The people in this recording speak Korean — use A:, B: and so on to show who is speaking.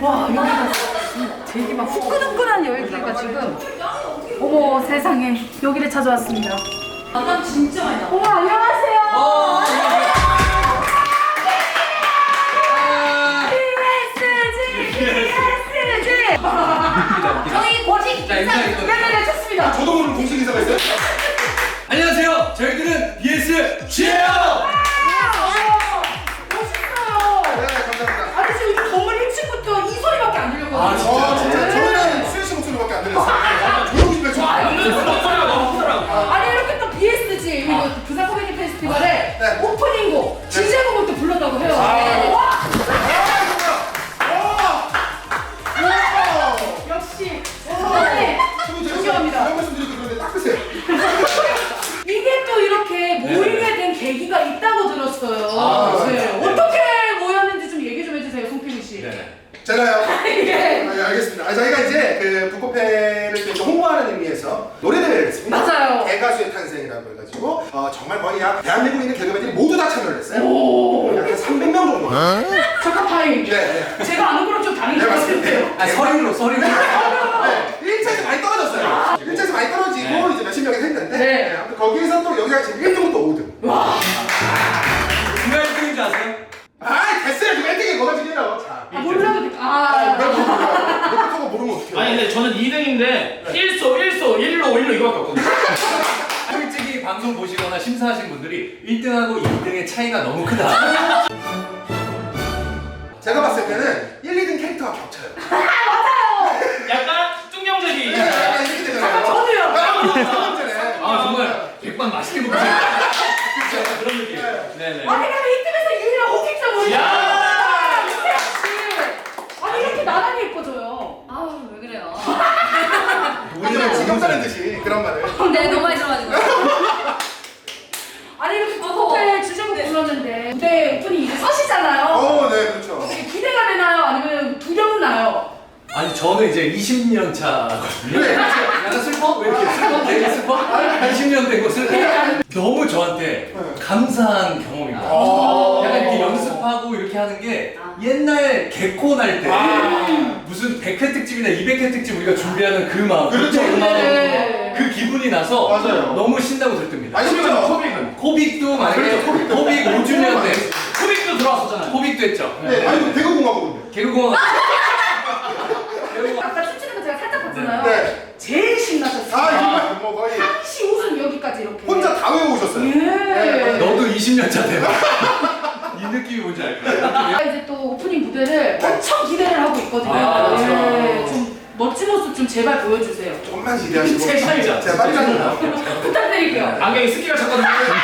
A: 와 여기가 되게 막 후끈후끈한 열기가 지금. 어머 세상에 여기를 찾아왔습니다.
B: 바람 진짜 많이 나.
A: 어머 안녕하세요. PSG.
B: 저희 고직 인사.
A: 네네네 좋습니다.
C: 저도 모르는 공식 인사가 있어요?
D: 안녕하세요. 저희들은 BS G예요.
A: 멋있어요.
C: 네, 감사합니다.
A: 아니 지금 이 건물 1층부터 이 소리밖에 안 들렸거든요.
D: 아, 진짜?
C: 진짜 저희는 수현 씨 목소리밖에 안 들렸어요. 조용히 좀 해줘.
D: 목소리가 너무 크더라고.
A: 아니 이렇게 또 BSG 이거 부산 코미디 페스티벌에
C: 네.
A: 오프닝곡 진제곡을 또 불렀다고 해요. 와 역시 네, 존경합니다.
C: 이런 말씀 드리고 그런데 딱 드세요.
A: 이게 또 이렇게 모이게 된 계기가 있다고 들었어요. 네. 어떻게 모였는지 좀 얘기 좀 해주세요, 송필이 씨.
D: 네.
C: 제가요?
A: 예.
C: 아, 알겠습니다. 저희가 이제 그 북코페를 좀 홍보하는 의미에서 노래대회를 했습니다.
A: 맞아요.
C: 개가수의 탄생이라고 해가지고 정말 거의 약 대한민국에 있는 개그맨들이 모두 다 참여를 했어요.
A: 오.
C: 약 300명 정도.
A: 초코파이.
C: 네.
A: 제가 아는 거랑 좀 다른 것 같은데요.
D: 아, 서류로.
C: 네. 1차에서 많이 떨어졌어요. 1차에서 많이 떨어지고 이제 몇십 명에서 했는데
A: 네.
C: 아무튼 거기에서 또 여기가 지금 1등부터 5등.
A: 와.
D: 누가 1등인지 아세요?
C: 아 됐어요. 지금 1등이 뭐가 중요해요. 자.
A: 몰라도 돼.
C: 이렇게 모르면 어떡해요.
E: 아니 근데 저는 2등인데 1소 1로 이거밖에 없거든요.
D: 솔직히 방송 보시거나 심사하신 분들이 1등하고 2등의 차이가 너무 크다.
C: 제가 봤을 때는 1, 2등 캐릭터가 겹쳐요.
E: 약간 뚱경재기.
C: 약간 이렇게 되잖아요.
A: 저도요.
D: 아, 정말 백반 맛있게 먹으세요.
E: 그렇죠. 그런 느낌. 네네.
A: 아니 그럼 이 팀에서 유일한 호객자 뭐예요?
E: 야!
A: 아니 이렇게 나란히 예뻐져요.
B: 아우 왜 그래요?
C: 우리는 지겹다는 듯이 그런 말을.
B: 네 너무 많이 들어가지고.
A: 아니 이렇게 커플 주제곡 불렀는데 무대 오프닝 이제 서시잖아요.
C: 네, 그렇죠.
A: 되게 기대가 되나요? 아니면 두렵나요?
D: 아니, 저는 이제 20년 차거든요.
C: 네.
D: 약간 슬퍼? 왜 이렇게 슬퍼? 되게 슬퍼? 20년 된 것을 너무 저한테 감사한 경험입니다. 약간 이렇게 연습하고 이렇게 하는 게 옛날 개콘 할 때 무슨 100회 특집이나 200회 특집 우리가 준비하는 그 마음,
C: 그렇죠.
D: 그 마음,
A: 네.
D: 그 기분이 나서
C: 맞아요.
D: 너무 신나고 들뜹니다.
C: 아니, 심지어
E: 코빅은.
D: 코빅도 만약에
C: 그렇죠,
D: 코빅 5주년 때
E: 코빅도 들어왔었잖아요.
D: 코빅도 했죠.
C: 네, 아니 대구공화국은요.
D: 개그공원
A: 아까 춤추는 거 제가 살짝 봤잖아요.
C: 네.
A: 제일 신나셨어요.
C: 정말 뭐 거의
A: 한시 웃음 여기까지 이렇게.
C: 혼자 다 외워오셨어요.
A: 예.
D: 너도 20년 차 되나? 이 느낌이 뭔지 알 거야.
A: 이제 또 오프닝 무대를 엄청 기대를 하고 있거든요.
D: 아,
A: 예. 좀 멋진 모습 좀 제발 보여주세요.
C: 좀만 기대하시고
A: 제발.
C: 제발요.
A: 부탁드릴게요.
E: 안경에 습기가 찼거든요.